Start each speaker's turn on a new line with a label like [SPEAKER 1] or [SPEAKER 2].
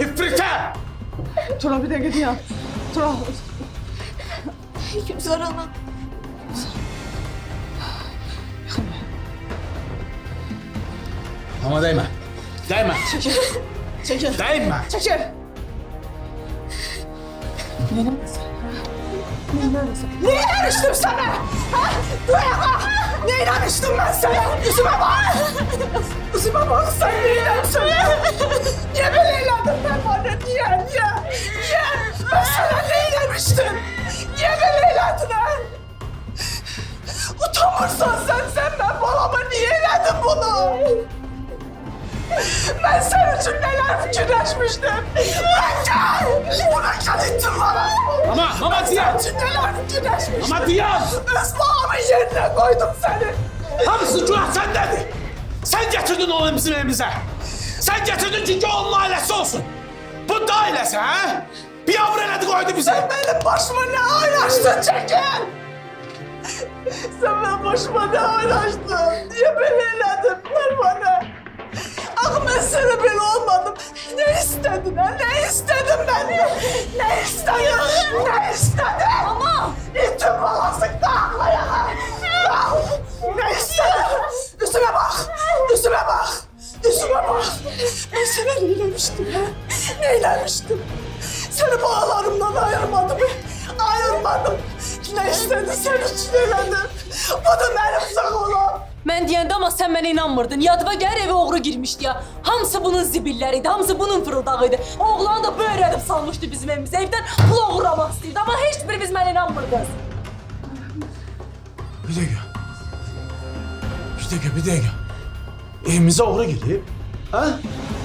[SPEAKER 1] İfrite!
[SPEAKER 2] Tura bir de gidiyor. Tura.
[SPEAKER 3] Gülzar ana.
[SPEAKER 1] Ama değme. Değme.
[SPEAKER 2] Çekil. Çekil.
[SPEAKER 1] Değme.
[SPEAKER 2] Çekil. Ne inanmıştım sana? Ha? Duyama! Ne inanmıştım ben sana? Yüzüme bak! Yüzüme bak sen ne inanmışsın? Niye böyle inandın ben bana? Niye? Ben sana ne inanmıştım? Niye böyle inandın ha? Utanırsan sen ben balama niye inandın bunu? Ben senin için neler fikirleşmiştim. Bırak ettin bana.
[SPEAKER 1] Mama Ziyan!
[SPEAKER 2] Senin için neler fikirleşmiştim.
[SPEAKER 1] Mama Ziyan!
[SPEAKER 2] Ismağımın yerine koydum seni.
[SPEAKER 1] Hamısı günah sendedir. Sen getirdin onu bizim evimize. Sen getirdin çünkü onun ailesi olsun. Bu da ailesi ha? Bir yavru eledi koydu bize.
[SPEAKER 2] Sen benim başıma ne oynaştın Çekil? Sen benim başıma ne oynaştın? Niye beni eledin bana? Ah ben sana böyle olmadım. Ne istedin ha? Ne istedin benden? Ne istedin? Ne istedin? Ama! İttim balasık da aklaya. Ne istedin? Üstüme bak! Üstüme bak! Üstüme bak! Ben sana neylemiştim ha? Neylemiştim? Seni bağlarımdan ayırmadım. Ayırmadım. Ne istedin sen için elendim. Bu da benim sağolum.
[SPEAKER 3] Ben diyende ama sen bana inanmırdın. Yadıma gel eve oğru girmişti ya. Hamısı bunun zibilleriydi, hamısı bunun fırıldağıydı. Oğlan da böyle edip salmıştı bizim evimize. Evden pul oğurlamak istedi ama hiçbirimiz bana inanmırdınız.
[SPEAKER 1] Bir dakika. Evimize uğra girip, ha?